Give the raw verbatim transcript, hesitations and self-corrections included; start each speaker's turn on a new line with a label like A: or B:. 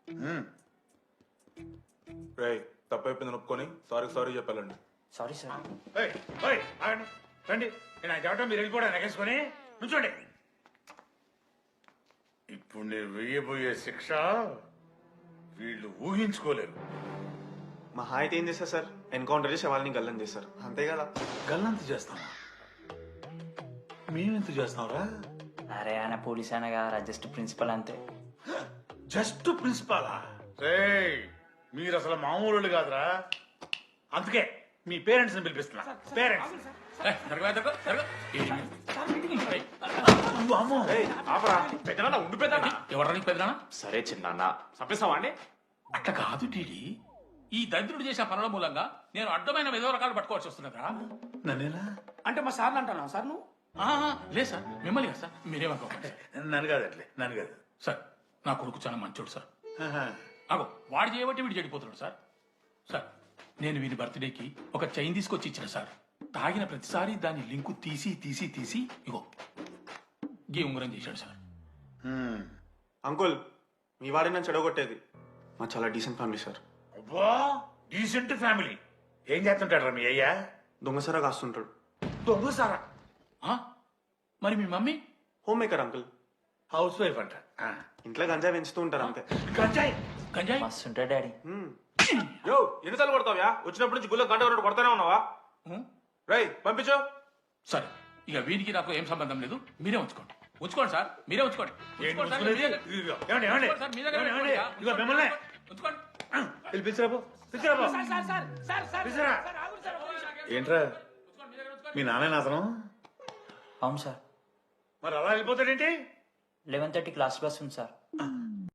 A: రేయ్ తప్పైపోయింది ఒప్పుకొని సారీ సారీ చెప్పాలండి.
B: Sorry sir.
C: ఏయ్, ఏయ్, ఆగండి. రండి నేను ఆయన చెప్పడం మీరు వెళ్ళిపోవడం ఎగేసుకొని నుంచోండి. ఇప్పుడు నేను వెయ్యబోయే శిక్ష వీళ్ళు ఊహించుకోలేరు.
D: మా హాయితే ఏం చేస్తారు సార్? ఎన్కౌంటర్ చేసి వాళ్ళని గల్లం చేస్తారు అంతే కదా.
C: గల్లంత చేస్తామా? మేమెంత చేస్తాంరా?
B: అరే ఆయన పోలీస్ ఆయన కదా, జస్ట్ ప్రిన్సిపల్ అంతే.
C: జస్ట్ ప్రిన్సిపాలా? రేయ్ మీరు అసలు మామూలు కాదురా. అందుకే మీ పేరెంట్స్ ని పిలిపిస్తున్నా. పేరెంట్స్
E: ఉండి పెద్దనా
F: ఎవరానికి పెద్దనా?
E: సరే చిన్న చంపేస్తావా అండి?
F: అట్లా కాదు టీడీ, ఈ దరిద్రుడు చేసిన పనుల మూలంగా నేను అడ్డమైన విధవ రకాలు పట్టుకోవాల్సి వస్తున్నదా?
C: నన్నేనా?
E: అంటే మా సార్ని అంటున్నా సార్ నువ్వు?
F: లేదు సార్, మిమ్మల్ని కదా సార్. మీరేమనుకోకండి
C: నన్ను కాదు అట్లే నన్ను కాదు
F: సార్. నా కొడుకు చాలా మంచోడు సార్.
C: ఆహా.
F: అగో వాడు చేయబట్టి వీడు చెడిపోతున్నాడు సార్. సార్ నేను వీడి బర్త్డేకి ఒక చైన్ తీసుకొచ్చి ఇచ్చిన సార్. తాగిన ప్రతిసారి దాని లింకు తీసి తీసి తీసి ఇగో గీ ఉంగరం చేశాడు సార్.
C: హ్మ్.
D: అంకుల్ మీ వాడిని నన్ను చెడగొట్టేది. మా చాలా డీసెంట్ ఫ్యామిలీ సార్.
C: అబ్బా డీసెంట్ ఫ్యామిలీ. ఏం చేస్తుంటాడు మీ అయ్యా?
D: దొంగసరా కాస్తుంటాడు.
C: దొంగ సారా?
F: ఆ? మరి మీ mummy?
D: Homemaker uncle.
C: Housewife అంట. ఆ.
D: ఇంట్లో గంజాయి పెంచుతూ ఉంటారు అంతే.
C: గంజాయి
F: గంజాయి?
B: మస్తు ఉంటాడు డాడీ.
D: మ్మ్.
A: యో ఎన్నిసార్లు కొడతావ్యా? వచ్చినప్పటి నుంచి గుళ్ళ గంట కొట్టు కొడతానే ఉన్నావా?
F: ఉం?
A: రేయ్ పంపించు.
F: సరే ఇక వీడికి నాకు ఏం సంబంధం లేదు. మీరే ఉంచుకోండి ఉంచుకోండి సార్. మీరే ఉంచుకోండి
C: ఏంటి
F: ఉంచుకోండి సార్.
C: ముసుగులేది?
F: మీ దగ్గర-
C: ఇదిగో, ఏమండి, ఏమండి?
F: ఉంచుకోండి సార్, మీ దగ్గర
C: ఏమండి,
F: పెట్టుకోండి.
C: ఏమండి? ఇదిగో మిమ్మల్ని.
F: ఉంచుకోండి.
C: వెళ్ళి పిలిచిరాబో పిలిచిరాబో పిలిచిరా. ఏంట్రా మీ నాన్న అతను?
B: అవును సార్.
C: మరి అలా వెళ్ళిపోతాడేంటి?
B: లెవెన్ థర్టీ క్లాస్ బస్ ఉంది సార్.